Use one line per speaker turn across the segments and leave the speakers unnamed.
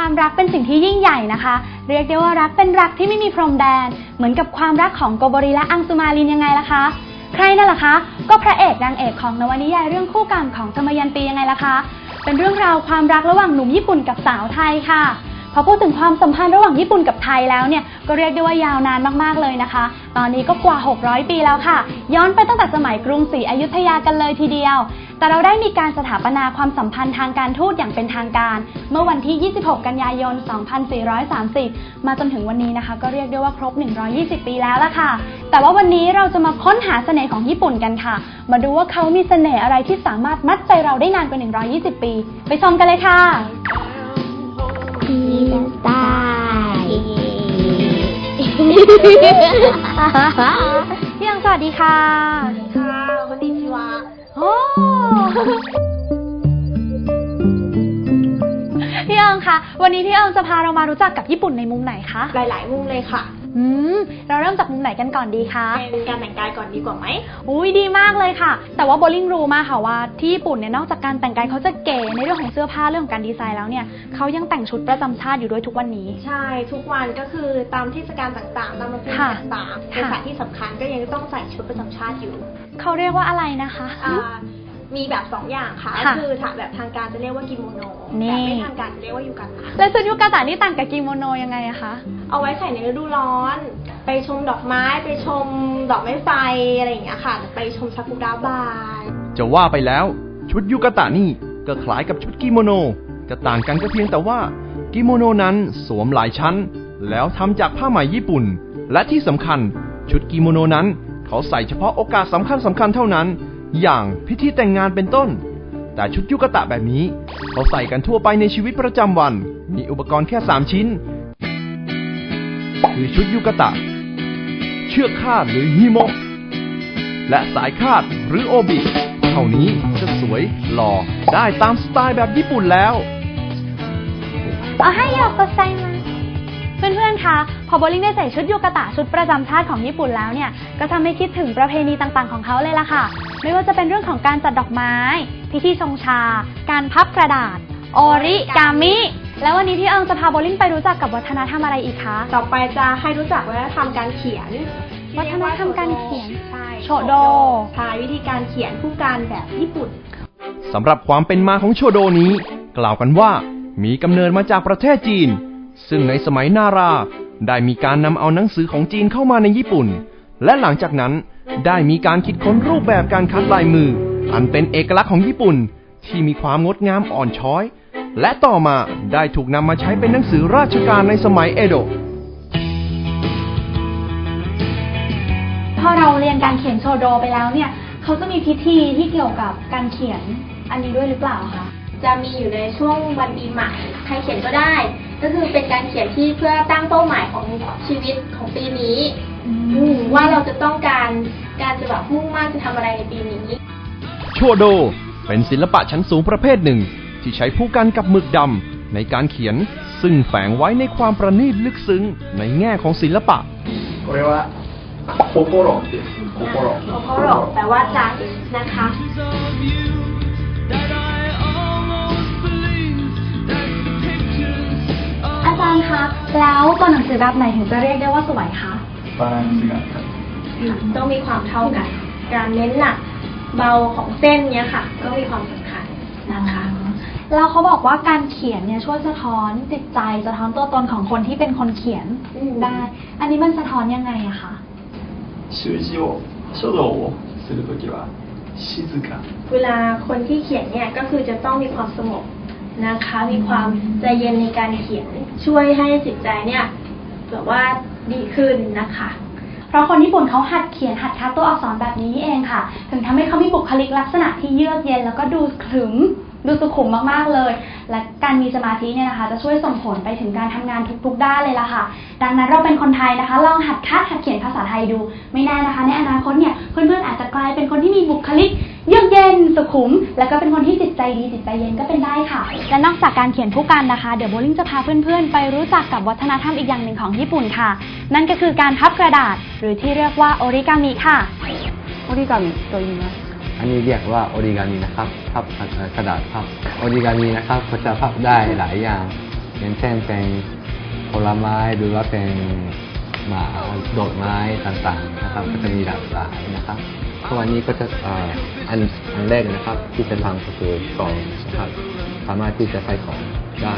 ความรักเป็นสิ่งที่ยิ่งใหญ่นะคะเรียกได้ว่ารักเป็นรักที่ไม่มีพรมแดนเหมือนกับความรักของโกโบริและอังสุมารินยังไงล่ะคะใครนั่นล่ะคะก็พระเอกนางเอกของนวนิยายเรื่องคู่กรรมของทมยันตียังไงล่ะคะเป็นเรื่องราวความรักระหว่างหนุ่มญี่ปุ่นกับสาวไทยค่ะพอพูดถึงความสัมพันธ์ระหว่างญี่ปุ่นกับไทยแล้วเนี่ยก็เรียกได้ว่ายาวนานมากๆเลยนะคะตอนนี้ก็กว่า600 ปีแล้วค่ะย้อนไปตั้งแต่สมัยกรุงศรีอยุธยากันเลยทีเดียวแต่เราได้มีการสถาปนาความสัมพันธ์ทางการทูตอย่างเป็นทางการเมื่อวันที่ 26 กันยายน 2430 มาจนถึงวันนี้นะคะก็เรียกได้ว่าครบ 120 ปีแล้วล่ะค่ะแต่ว่าวันนี้เราจะมาค้นหาเสน่ห์ของญี่ปุ่นกันค่ะมาดูว่าเขามีเสน่ห์อะไรที่สามารถมัดใจเราได้นานกว่า 120 ปีไปชมกันเลยค่ะ
พี่จะตาย
พี่ยังสวัสดีค่ะ
ค่ะคนดีชิวะ
โอ้พี่ยังคะวันนี้พี่ยังจะพาเรามารู้จักกับญี่ปุ่นในมุมไหนคะ
หลายๆมุมเลยค่ะ
เราเริ่มจากมุมไหนกันก่อนดีคะ
เป็นการแต่งกายก่อนดีกว่าไหม
อุ้ยดีมากเลยค่ะแต่ว่าโบลิ่งรู้มาค่ะว่าที่ญี่ปุ่นเนี่ยนอกจากการแต่งกายเขาจะเก๋ในเรื่องของเสื้อผ้าเรื่องของการดีไซน์แล้วเนี่ยเขายังแต่งชุดประจำชาติอยู่ด้วยทุกวันนี้
ใช่ทุกวันก็คือตามเทศกาลต่างๆตามวันที่ต่างๆในสถานที่สำคัญก็ยังต้องใส่ชุดประจำชาติอยู่
เขาเรียกว่าอะไรนะคะ
มีแบบ2 อย่างค่ะคือถ้าแบบทางการจะเรียกว่ากิโมโนแต่ไม่ทางการจะเรียกว่ายูกาตะ
แล้วชุดยูกาตะนี่ต่างกับกิโมโนยังไงอะคะ
เอาไว้ใส่ในฤดูร้อนไปชมดอกไม้ไปชมดอกไม้ไฟอะไรอย่างเงี้ยค่ะไปชมซากุระบาน
จะว่าไปแล้วชุดยูกาตะนี่ก็คล้ายกับชุดกิโมโนจะต่างกันก็เพียงแต่ว่ากิโมโนนั้นสวมหลายชั้นแล้วทำจากผ้าไหมญี่ปุ่นและที่สำคัญชุดกิโมโนนั้นเขาใส่เฉพาะโอกาสสำคัญเท่านั้นอย่างพิธีแต่งงานเป็นต้นแต่ชุดยูกาตะแบบนี้เขาใส่กันทั่วไปในชีวิตประจำวันมีอุปกรณ์แค่3 ชิ้นคือชุดยูกาตะเชือกคาดหรือฮิโมะและสายคาดหรือโอบิเท่านี้จะสวยหล่อได้ตามสไตล์แบบญี่ปุ่นแล้ว
เอาให้ยอกก็ใส่มาเพื่อนๆคะพอโบลิ่งได้ใส่ชุดยูกาตะชุดประจำชาติของญี่ปุ่นแล้วเนี่ยก็ทำให้คิดถึงประเพณีต่างๆของเขาเลยล่ะค่ะไม่ว่าจะเป็นเรื่องของการจัดดอกไม้พิธีชงชาการพับกระดาษโอริกามิแล้ววันนี้พี่เอิงจะพาโบลิ่งไปรู้จักกับวัฒนธรรมอะไรอีกคะ
ต่อไปจะให้รู้จักวัฒนธรรมการเขียน
วัฒนธรรมการเขียน
ใช่
โชโด
ใช่วิธีการเขียนผู้การแบบญี่ปุ่น
สำหรับความเป็นมาของโชโดนี้กล่าวกันว่ามีกำเนิดมาจากประเทศจีนซึ่งในสมัยนาราได้มีการนำเอาหนังสือของจีนเข้ามาในญี่ปุ่นและหลังจากนั้นได้มีการคิดค้นรูปแบบการคัดลายมืออันเป็นเอกลักษณ์ของญี่ปุ่นที่มีความงดงามอ่อนช้อยและต่อมาได้ถูกนำมาใช้เป็นหนังสือราชการในสมัยเอโดะ
พอเราเรียนการเขียนโชโดไปแล้วเนี่ยเขาจะมีพิธีที่เกี่ยวกับการเขียนอันนี้ด้วยหรือเปล่าคะ
จะมีอยู่ในช่วงวันปีใหม่ใครเขียนก็ได้ก็คือเป็นการเขียนที่เพื่อตั้งเป้าหมายของชีวิตของปีนี้ว่าเราจะต้องการจะแบบมุ่งมั่นจะทำอะไรในปีนี้
โชโดเป็นศิลปะชั้นสูงประเภทหนึ่งที่ใช้ผู้กันกับหมึกดำในการเขียนซึ่งแฝงไว้ในความประณีตลึกซึ้งในแง่ของศิลปะ
これは心です心
แปลว่าใจนะคะ
อาจารย์คะแล้วตัวหนังสือแบบไหนถึงจะเรียกได้ว่าสวยคะ
バランスが
ต้องมีความเท่ากันการเน้นหนักเบาของเส้นเนี้ยค่ะก็มีความสำคัญนะคะ
แล้วเขาบอกว่าการเขียนเนี่ยช่วยสะท้อนจิตใจสะท้อนตัวตนของคนที่เป็นคนเขียนได้อันนี้มันสะท้อนยังไงอะคะ
習字を書道をするときは静か
เวลาคนที่เขียนเนี่ยก็คือจะต้องมีความสงบนะคะมีความใจเย็นในการเขียนช่วยให้จิตใจเนี่ยแบบว่าดีขึ้นนะคะ
เพราะคนญี่ปุ่นเขาหัดเขียนหัดคัดตัวอักษรแบบนี้นี่เองค่ะถึงทำให้เขามีบุคลิกลักษณะที่เยือกเย็นแล้วก็ดูขรึมดูสุขุมมากๆเลยและการมีสมาธิเนี่ยนะคะจะช่วยส่งผลไปถึงการทำงานทุกๆด้านเลยล่ะค่ะดังนั้นเราเป็นคนไทยนะคะลองหัดคัดหัดเขียนภาษาไทยดูไม่แน่นะคะในอนาคตเนี่ยเพื่อนๆอาจจะกลายเป็นคนที่มีบุคลิกเยือกเย็นสุขุมแล้วก็เป็นคนที่จิตใจดีจิตใจเย็นก็เป็นได้ค่ะและนอกจากการเขียนผู้กันนะคะเดี๋ยวโบลิ่งจะพาเพื่อนๆไปรู้จักกับวัฒนธรรมอีกอย่างหนึ่งของญี่ปุ่นค่ะนั่นก็คือการพับกระดาษหรือที่เรียกว่าโอริกามิค่ะ
โอริกามิと言いますอันนี้เรียกว่าโอริกามินะครับพับกระดาษพับโอริกามินะครับเขาจะพับได้หลายอย่างอย่างเช่นเป็นผลไม้หรือว่าเป็นดอกไม้ต่างๆนะครับก็จะมีหลากหลายนะครับทุกวันนี้ก็จะอันแรกนะครับที่จะทำก็คือกล่องนะครับสามารถที่จะใส่ของได้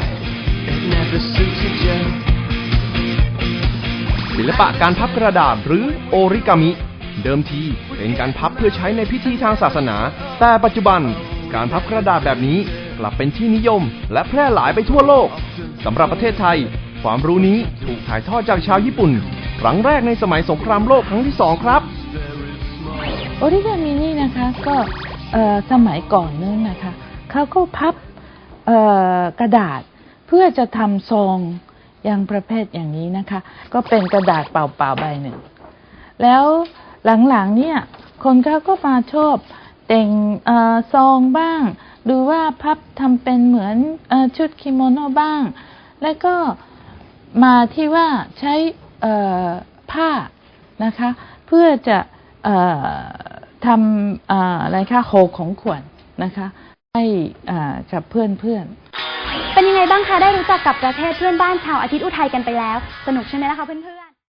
ศิลปะการพับกระดาษหรือโอริกามิ เดิมทีเป็นการพับเพื่อใช้ในพิธีทางศาสนา แต่ปัจจุบันการพับกระดาษแบบนี้กลับเป็นที่นิยมและแพร่หลายไปทั่วโลกสำหรับประเทศไทยความรู้นี้ถูกถ่ายทอดจากชาวญี่ปุ่นครั้งแรกในสมัยสงครามโลกครั้งที่ 2ครับ
โอริกามินี่นะคะก็สมัยก่อนนู้นนะคะเขาก็พับกระดาษเพื่อจะทำซองอย่างประเภทอย่างนี้นะคะก็เป็นกระดาษเปล่าๆใบหนึ่งแล้วหลังๆเนี่ยคนเขาก็มาชอบแต่งซองบ้างหรือว่าพับทำเป็นเหมือนชุดกิโมโนบ้างแล้วก็มาที่ว่าใช้ผ้านะคะเพื่อจะทำอะไรคะห่อของขวัญนะคะให้กับเพื่อนๆ
เป็นยังไงบ้างคะได้รู้จักกับประเทศเพื่อนบ้านชาวอาทิตย์อุทัยกันไปแล้วสนุกใช่ไหมล่ะคะเพื่อนๆ